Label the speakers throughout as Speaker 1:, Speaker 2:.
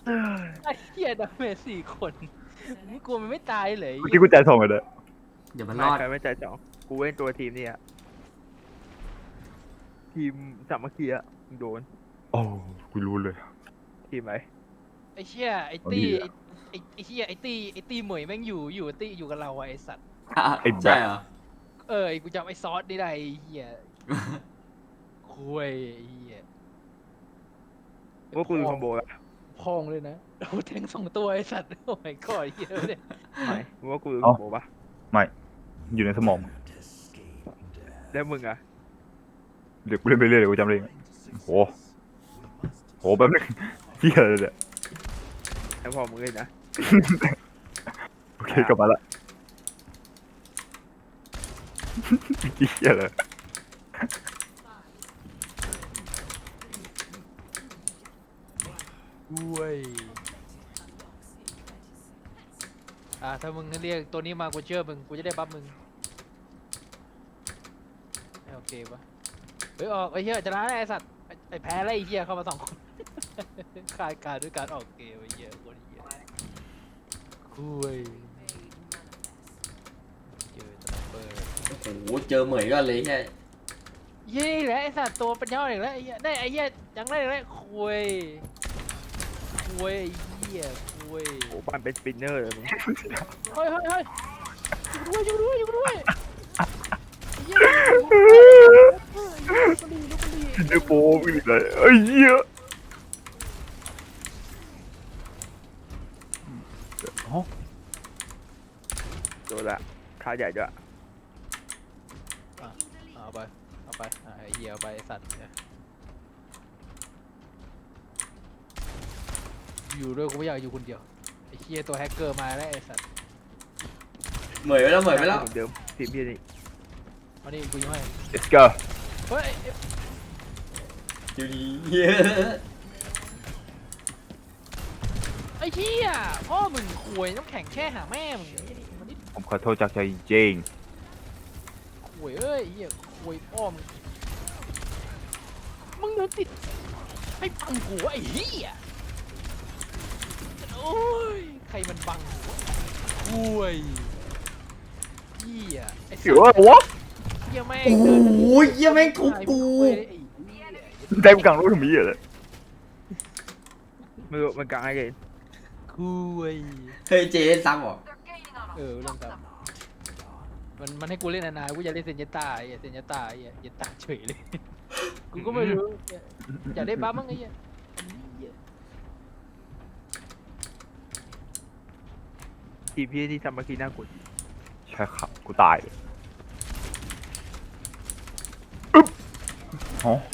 Speaker 1: ไอ้เหี้ยดาเมจ4 คนมึงกลัวมันไม่ตายเลย
Speaker 2: เมื่อกี้กูใจส่งเลย
Speaker 3: เดี๋ยวมันร
Speaker 4: ไม่
Speaker 3: อด
Speaker 4: ใครไม่ใจสองกูเว้นตัวทีมนี่อะทีมสามัคคีอะโดน
Speaker 2: โอ้กูรู้เลย
Speaker 4: ทีมไหน
Speaker 1: ไอ้เหี้ยไอ้
Speaker 2: เอา
Speaker 1: ตี้
Speaker 2: ดีอะ
Speaker 1: ไอ้เหี้ยไอ้ตี้เหมยแม่งอยู่ตี้อยู่กับเราอะไอ้สัตว์
Speaker 2: ไอ้แบท
Speaker 3: ใช่เหรอ
Speaker 1: ไอ้กูจำไอ้ซอสนี่ได้ไอ้เหี้ยคุยไอ้เหี้ย
Speaker 4: ว่ากูดูคอมโบละ
Speaker 1: พองเลยนะโอ้แทง2 ตัวไอ้สัตว์โอ้ยก้อยเหี้ยเนี่ย
Speaker 4: ไม่ว่ากูดูคอมโบปะ
Speaker 2: ไม่อยู่ในสมอง
Speaker 4: แล้วมึงอะ
Speaker 2: เดี๋ยวกูเล่นไปเรื่อยเดี๋ยวกูจำเองโหแป๊บนึงเฮียอะไรเนี่ย
Speaker 4: แล้วพอมึงเล่นนะ
Speaker 2: โอเคกลับมาละเฮียเลย
Speaker 1: ด้วยถ้ามึงเรียกตัวนี้มากูเชื่อมึงกูจะได้บัฟมึงโอเคปะออกไอ้เหี้ยชนะไอ้สัตว์ไอ้แพ้แล้วไอ้เหี้ยเข้ามา2 คน คายการด้วยการออกเกมไอ้เหี้ยโคตรเหี้ยคุยเจอสไนเปอร์
Speaker 3: โอ้โหเจอเหมยก็เลยแค่
Speaker 1: เย้แหละไอ้สัตว์ตัวเป็นยอดอีกแล้วไอ้เหี้ยได้ไอ้เหี้ยยังได้อีกแล้วคุยไอ้เหี้ยคุย
Speaker 4: โอ้บ้านเป็นสปินเนอร์เลยมึง
Speaker 1: เฮ้ยอยู่ด้วยไอ้เหี้ยลุกดี
Speaker 2: เดี๋ยวโป๊มึงอีกเลยไอ้เหี้ยอ๋อ
Speaker 4: โดนละขาใหญ่ด้วย
Speaker 1: เอาไปไอ้เหี้ยเอาไปไอ้สัตว์เนี่ยอยู่ด้วยกูไม่อยากอยู่คนเดียวไอ้เหี้ยตัวแฮกเกอร์มาแล้วไอ้สัตว์
Speaker 3: เหมยไปแล้วเหมยไปแล้ว
Speaker 4: เหมือนเดิมทีมพี่นี่
Speaker 1: มานี่กูยังให้
Speaker 2: let's go
Speaker 1: เฮ้ย
Speaker 3: อยู่ดีเหี้ย
Speaker 1: ไอ้เหี้ยพ่อมึงควยน้ำแข็งแช่หาแม่มึงมันนี่
Speaker 2: ผมขอโทษจากใจจริง
Speaker 1: ควยเอ้ยไอ้เหี้ยควยพ่อมึงเดินติดให้บังหัวไอ้เหี้ยโอ้ยใครมันบังหัวควยเหี้ยไอ้
Speaker 2: ๆ
Speaker 1: สั
Speaker 2: เดี๋
Speaker 1: ต
Speaker 2: ยว
Speaker 1: ว์
Speaker 2: วะ
Speaker 1: เหี้ยแม่ง
Speaker 3: โอ้โหเหี้ยแม่งทุบกู
Speaker 2: ได้กูกลางรถถึงมีอะไร
Speaker 4: ไม่รู้มันกลางไอ้เกน
Speaker 1: คุย
Speaker 3: เฮ้ยเจ๊ซ้ำเหรอ
Speaker 1: เล่นครับมันให้กูเล่นนานๆกูอยากเล่นเซนยต้าไอ้เซนยต้าไอ้เซนยต้าเฉยเลย กูก็ไม่รู้อยากได้บัฟมั้งไอ้เหี้ยอันนี้เหี้ย
Speaker 4: ทีมพี่ที่สามัคคีน่ากลัว
Speaker 2: ใช่ครับกูตายเลยอึ๊บอ๋อ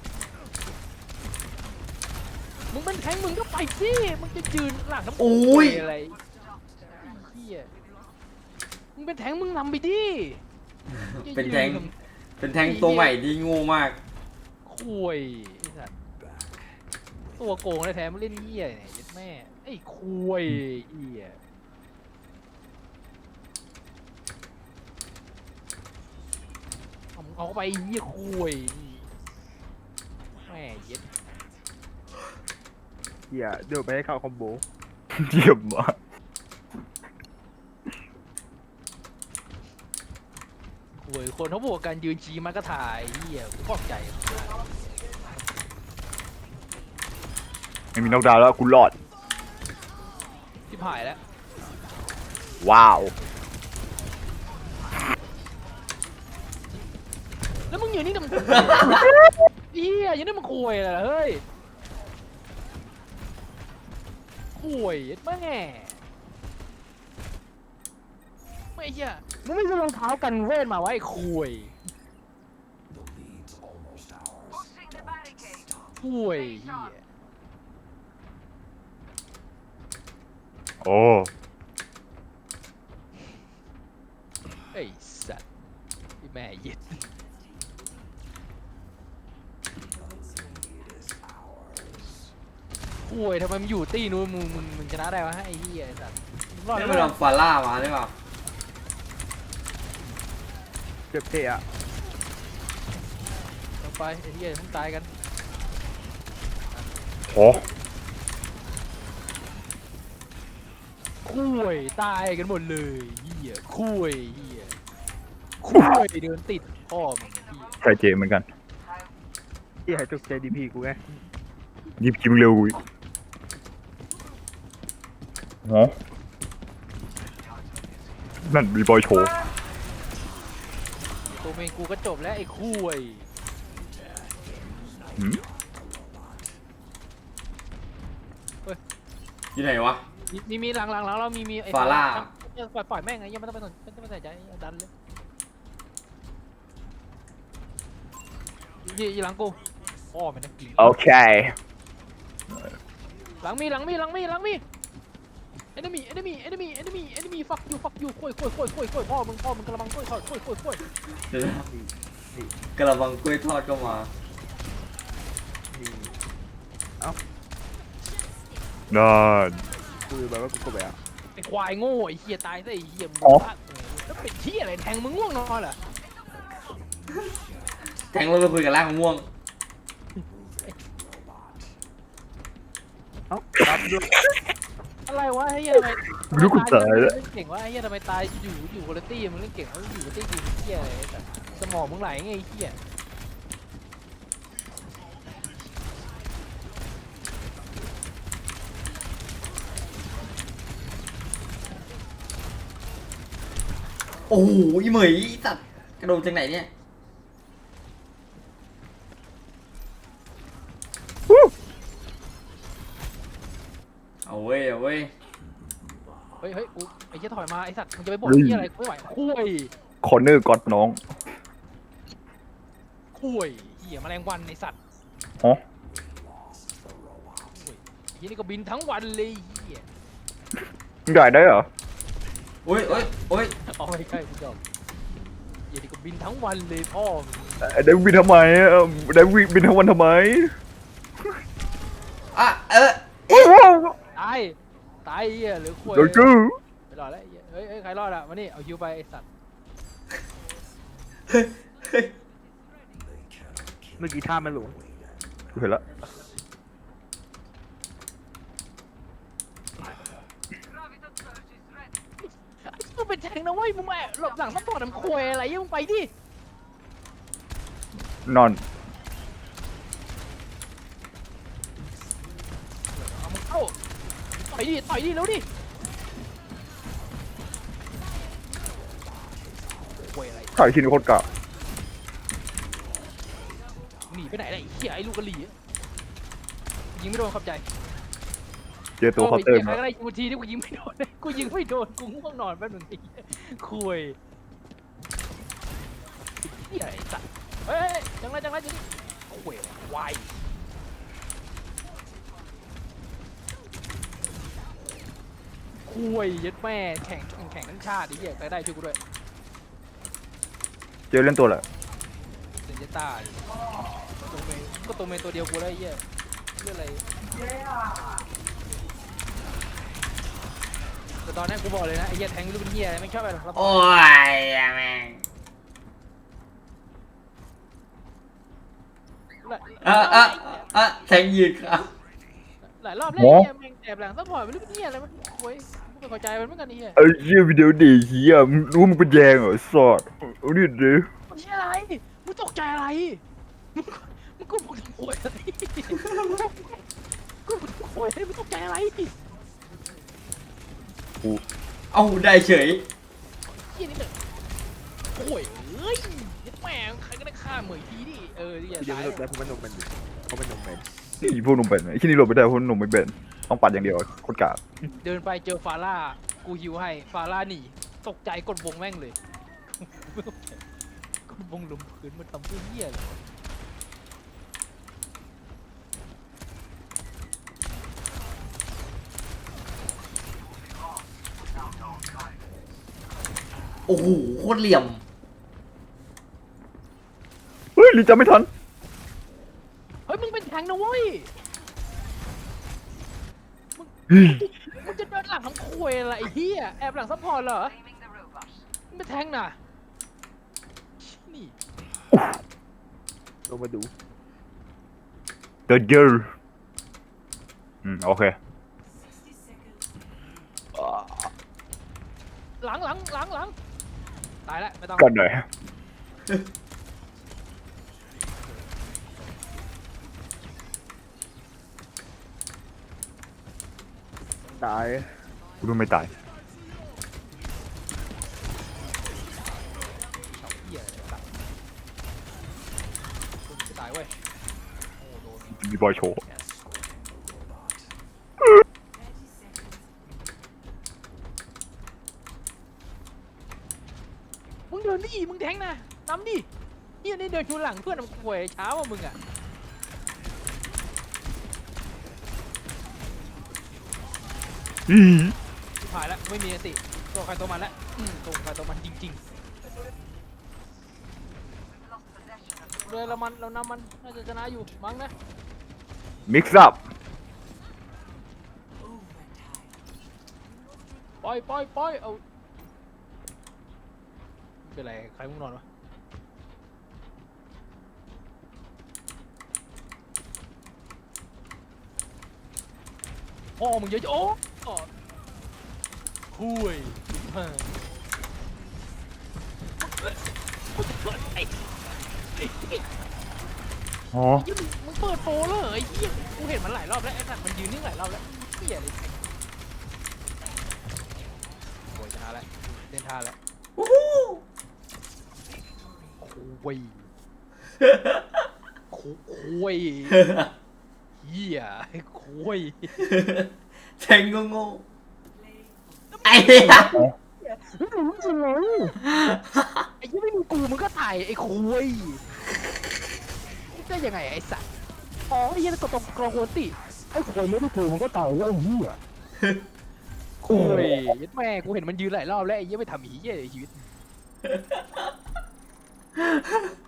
Speaker 1: มึงเป็นแทงมึงก็ไปสิมึงจะยืนหลังน้ำ
Speaker 3: โอ้ย
Speaker 1: อะไรไอ้เหี้ยมึงเป็นแทงมึงนำไปดิ
Speaker 3: เป็นแทงเป็นแทงตัวใหม่ที่โง่มาก
Speaker 1: คุยไอ้สัตว์ตัวโกงแท้ๆมึงเล่นเหี้ยเนี่ยยัดแม่ไอ้คุยเหี้ยเอาไปเหี้ยคุยแม่เย็ด
Speaker 4: เฮียเดี๋ยวไปให้เข้าคอมโบ
Speaker 2: เยี่ยมมาก
Speaker 1: คุยคนเขาบวกกันยืนชี้มันก็ถ่ายเหี้ยกูชอบใจ
Speaker 2: ไม่มีนอกดาวน์แล้วกูรอด
Speaker 1: ที่ผายแล้ว
Speaker 2: ว้าว
Speaker 1: แล้วมึงอยู่นี่ทำไมเหี้ยยังได้มึงคุยอะไรล่ะเฮ้ยคุยแม่ไม่เหี้ยมึงไม่ซื้อรองเท้ากันเวทมาไว้คุยคุยเหี้ย
Speaker 2: โอ้
Speaker 1: ไอ้สัตว์ที่แม่เย็ดโอ้ยทำไมมันอยู่ตีนู้นมึงชนะได้วะไอ้เหี้ยไอ้สัตว์รอด
Speaker 3: นี่
Speaker 1: ไหม
Speaker 3: มันลองฟาร่ามาหรือเปล่า
Speaker 4: เจ็บเตะอะ
Speaker 1: ลงไปไอ้เหี้ยมึงตายกัน
Speaker 2: โอ้
Speaker 1: คุยตายกันหมดเลยเหี้ยคุยเหี้ยคุยเดินติดพ่อมึงเหี้ย
Speaker 2: ใช่เจเหมือนกัน
Speaker 4: ที่หายตกใจดีพีกูไง
Speaker 2: ยิบจิ้มเร็วกูอีกฮะนั่นมีบอยโชว์
Speaker 1: ตัวเมงกูก็จบแล้วไอ้คุย
Speaker 2: หืม
Speaker 3: อยู่ไหนวะ
Speaker 1: มีหลังเรามีไอ้
Speaker 3: ฟาร่า
Speaker 1: ปล่อยแม่งไงยังไม่ต้องไปสนไม่ต้องไปใส่ใจดันเลยยีหลังกูอ้อมันนะกลิ่น
Speaker 2: โอเค
Speaker 1: หลังมีenemy fuck you คุยพ่อมึงกระมังคุย
Speaker 3: เดี๋ยวนะกระบังกล้วยทอดก็มา
Speaker 4: นี่
Speaker 2: นั่น
Speaker 4: กูแบบว่ากูก็แบบ
Speaker 1: ไอ้ควายโง่ไอ้เหี้ยตายซะไอ้เหี้ยมึง
Speaker 2: อ๋อ
Speaker 1: แล้วเป็นเหี้ยอะไรแทงมึงง่วงนอนเหรอ
Speaker 3: แทงเราไปคุยกับร่างมะม่วง
Speaker 4: เอ้าตามด้วย
Speaker 1: อะไรวะไอ้เหี้ยทำไม
Speaker 2: ไม่รู้กูตายแล้ว
Speaker 1: เล่นเก่งวะไอ้เหี้ยทำไมตายอยู่คนละตี้มึงเล่นเก่งแล้วอยู่คนละตี้กูเหี้ยอะไรแต่สมองมึงไหลไงไอ้เหี้ย
Speaker 3: โอ้โหอีเหมยสัตว์กระโดดจากไหนเนี่ย เอาเว้ย
Speaker 1: เฮ้ยกูไอ้เหี้ยถอยมาไอ้สัตว์มึงจะไปบอกเหี้ยอะไรกูไม่ไหวคุย
Speaker 2: คอร์เนอร์ก็อดน้อง
Speaker 1: คุยเหี้ยแมลงวันไอ้สัตว์
Speaker 2: ฮะ
Speaker 1: เหี้ยนี่ก็บินทั้งวันเลยเหี้ย
Speaker 2: มึงได้ได้เหรอ
Speaker 3: โอ้ย
Speaker 1: เอาไม่ใช่กูจบเหี้ยนี่ก็บินทั้งวันเลยพ่อมึง
Speaker 2: ได้บินทำไมได้บินทั้งวันทำไม
Speaker 3: อ่ะ
Speaker 1: ตายเหี้ยหรือคุย
Speaker 2: โดนกู
Speaker 1: ไปรอดแล้วไอ้เหี้ยเฮ้ยใครรอดอะมานี่เอาฮิวไปไอ้สัตว์
Speaker 4: เมื่อกี้ท่ามันหลง
Speaker 2: กูเห็นละ
Speaker 1: มึงเป็นแทงนะเว้ยมึงมาหลบหลังต้องปอดน้ำคุยอะไรมึงไปดิ
Speaker 2: นอน
Speaker 1: เอามึงเข้าต่อยดิแล้วดิคุยอะไร
Speaker 2: ถ่ายชิ้นโคตรกะ
Speaker 1: หนีไปไหนล่ะไอ้เหี้ยไอ้ลูกกะหรี่อะยิงไม่โดนขอบใจ
Speaker 2: เจอตัวเคาน์เตอร์
Speaker 1: ใคร
Speaker 2: มา
Speaker 1: ก็ได้ยิงทีที่กูยิงไม่โดนกูยิงไม่โดนกูง่วงนอนแป๊บนึงไอ้เหี้ยคุยเหี้ยไอ้สัตว์เฮ้ยจังไรคุยวายคุยยัดแม่แข่งทั้งชาติไอ้เหี้ยใครได้ช่วยกูด้วย
Speaker 2: เจอเล่นตัวแหละ
Speaker 1: เซนเจต้าดิตัวเมนตัวเดียวกูได้ไอ้เหี้ยเรื่องอะไรแต่ตอนนี้กูบอกเลยนะไอ้เหี้ยแทงลูกเป็นเหี้ยไม่ชอบอะไรหรอก
Speaker 3: โอ้ยแม่งแทงยืนครับ
Speaker 1: หลายรอบแล้วไอ้เหี้ยแม่งแอบหลังซัพพอร์ตไม่รู้เป็นเหี้ยอะไรมันโว้ยกูไม่เข้าใจมันเหมือนกันไอ้เหี้ย
Speaker 2: ไอ้เหี้ยวิดีโอดีเหี้ยมึงรู้มึงเป็นแยงเหรอสอดเอาดิดิ
Speaker 1: มันเหี้ยอะไรมึงตกใจอะไรมึงกูบอกทำโวยอะไรกูบอกโวยอะไรมึงตกใจอะไร
Speaker 3: เอาได้เฉย
Speaker 1: เหี้ยนี่เลยโอ้ยเอ้ยยัดแม่งใครก็ได้ฆ่าเหมยทีดิอย่า
Speaker 4: กูยัง
Speaker 1: ตาย
Speaker 4: ไม่หลบได้เพราะมันหลงมันอยู่เพราะมันหลงมัน
Speaker 2: ไอ้พวกหนุ่มเป็นไอ้ที่นี่หลบไม่ได้เพราะหนุ่มไม่เป็นต้องปัดอย่างเดียวโคตรกะ
Speaker 1: เดินไปเจอฟาร่ากูฮิวให้ฟาร่าหนีตกใจกดวงแม่งเลยกดวงลงพื้นมันทำเพื่อเหี้ยเลย
Speaker 3: โอ้โหโคตรเหลี่ยม
Speaker 2: เฮ้ยลีจำไม่ทัน
Speaker 1: เฮ้ยมึงเป็นแทงนะเว้ยมึงจะเดินหลังทั้งคุยอะไรไอ้เหี้ยแอบหลังซัพพอร์ตเหรอมึงเป็นแทงน่ะนี่
Speaker 4: ลงมาดู
Speaker 2: The girl โอเค
Speaker 1: หลังตายแล้วไม่ต้อง
Speaker 2: กันหน่อย
Speaker 4: ตาย
Speaker 2: กูต้องไม่ตาย
Speaker 1: เหี้ยอะไรสัตว์กูจะตายเว้ยโอ้โดน
Speaker 2: มีบอยโชว์
Speaker 1: มึงเดินดิมึงแทงนะนำดิเฮียนี่เดินชูหลังเพื่อนมันป่วยเช้าอ่ะมึงอ่ะ
Speaker 2: อี
Speaker 1: ผ่านแล้วไม่มีสิตัวใครตัวมันแล้วตัวใครตัวมันจริงๆเลยเรานำมันน่าจะชนะอยู่มั้งนะ
Speaker 2: มิกซ์อัพ
Speaker 1: ปล่อยเอาเป็นไรใครมึงนอนวะพ่อมึงเยอะโอ้คุยไอ้
Speaker 2: อ๋อ
Speaker 1: ยี่มึงเปิดโปรแล้วเหรอไอ้เหี้ยกูเห็นมันหลายรอบแล้วไอ้สัตว์มันยืนนิ่งหลายรอบแล้วเหี้ยเลยโวยชนะแล้วเล่นท่าแล้ว
Speaker 3: วู้ฮู้
Speaker 1: คุยคุยเหี้ยคุย
Speaker 3: แทงงงๆไอ้เหี้ย
Speaker 1: ไอ้ยี่ไม่มีกูมึงก็ตายไอ้คุยได้ยังไงไอ้สัตว์อ๋อไอ้ยี่ก็ตรงกรองโหติไอ้คุยไม่ได้กูมึงก็ตายแล้วไอ้เหี้ยคุยแม่กูเห็นมันยืนหลายรอบแล้วไอ้ยี่ไม่ทำเหี้ยในชีวิต